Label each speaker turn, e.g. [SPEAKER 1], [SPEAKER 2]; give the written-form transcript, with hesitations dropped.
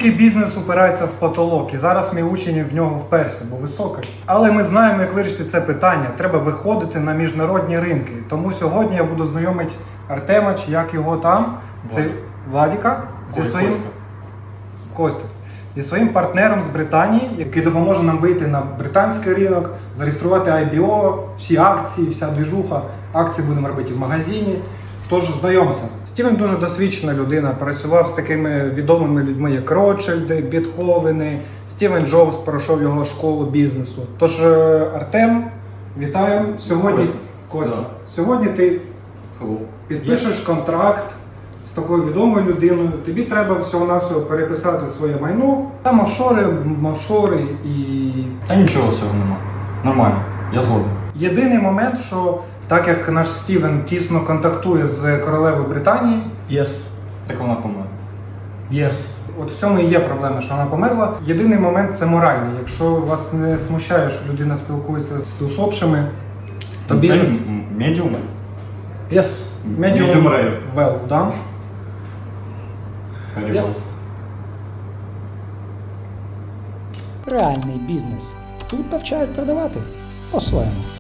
[SPEAKER 1] Будь-який бізнес упирається в потолок, і зараз мій учень в нього вперся, бо високий. Але ми знаємо, як вирішити це питання. Треба виходити на міжнародні ринки. Тому сьогодні я буду знайомити Артема, чи як його там, це Владіка, зі своїм Костя. Зі своїм партнером з Британії, який допоможе нам вийти на британський ринок, зареєструвати IBO, всі акції, вся двіжуха. Акції будемо робити в магазині. Тож знайомся. Стівен дуже досвідчена людина, працював з такими відомими людьми, як Ротшильди, Бетховени, Стівен Джобс пройшов його школу бізнесу. Тож, Артем, вітаю. Сьогодні, Костя, сьогодні ти підпишеш контракт з такою відомою людиною. Тобі треба всього-навсього переписати своє майно. Там офшори і...
[SPEAKER 2] Та нічого з цього нема. Нормально, я згоден.
[SPEAKER 1] Єдиний момент, що так як наш Стівен тісно контактує з королевою Британії,
[SPEAKER 2] Так вона помре.
[SPEAKER 1] от в цьому і є проблема, що вона померла. Єдиний момент – це моральний. Якщо вас не смущає, що людина спілкується з усопшими, то бізнес...
[SPEAKER 2] Медіум?
[SPEAKER 1] Medium
[SPEAKER 2] rare.
[SPEAKER 1] well, да?
[SPEAKER 3] Реальний бізнес. Тут навчають продавати по-своєму.